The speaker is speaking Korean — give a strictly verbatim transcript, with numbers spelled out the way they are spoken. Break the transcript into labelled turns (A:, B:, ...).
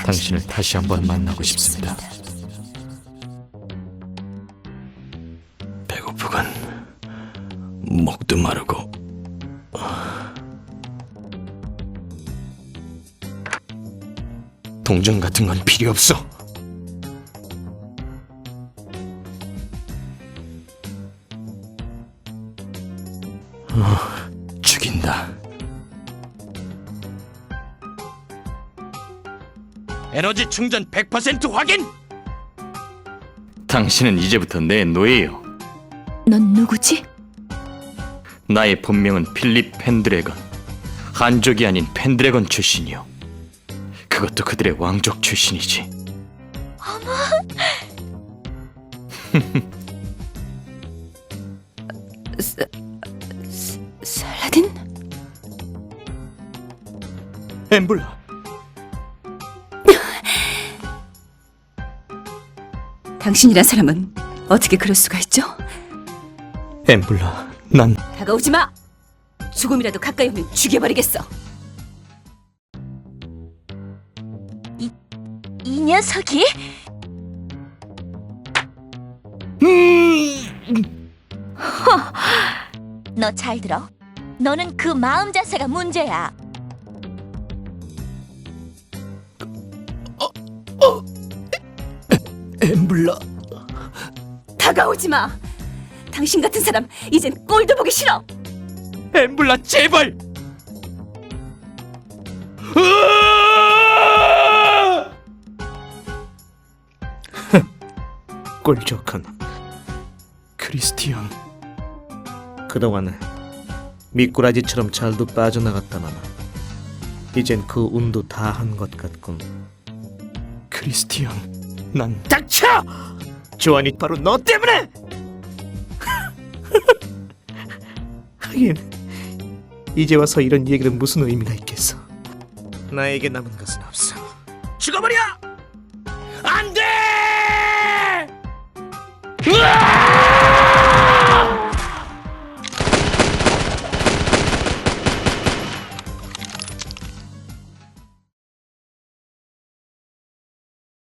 A: 당신을 다시 한번 만나고 싶습니다.
B: 배고프군. 목도 마르고. 동전 같은 건 필요 없어. 어, 죽인다. 에너지 충전 백 퍼센트 확인!
A: 당신은 이제부터 내 노예요.
C: 넌 누구지?
A: 나의 본명은 필립 펜드래건. 한족이 아닌 펜드래건 출신이요. 그것도 그들의 왕족 출신이지.
C: 사, 사, 살라딘?
B: 엠블라.
C: 당신이란 사람은 어떻게 그럴 수가 있죠?
B: 엠블라, 난
C: 다가오지 마! 조금이라도 가까이 오면 죽여버리겠어. 이, 이 녀석이?
D: 너 잘 들어. 너는 그 마음 자세가 문제야.
B: 엠블라.
C: 다가오지 마! 당신 같은 사람 이젠 꼴도 보기 싫어!
B: 엠블라, 제발. 꼴 좋군, 크리스티안.
E: 그동안 미꾸라지처럼 잘도 빠져나갔다만 이젠 그 운도 다 한 것 같군.
B: 크리스티안, 난
E: 닥쳐! 조안이 바로 너 때문에! 하긴 이제 와서 이런 얘기는 무슨 의미가 있겠어. 나에게 남은 것은 없어.
B: 죽어버려! 안 돼!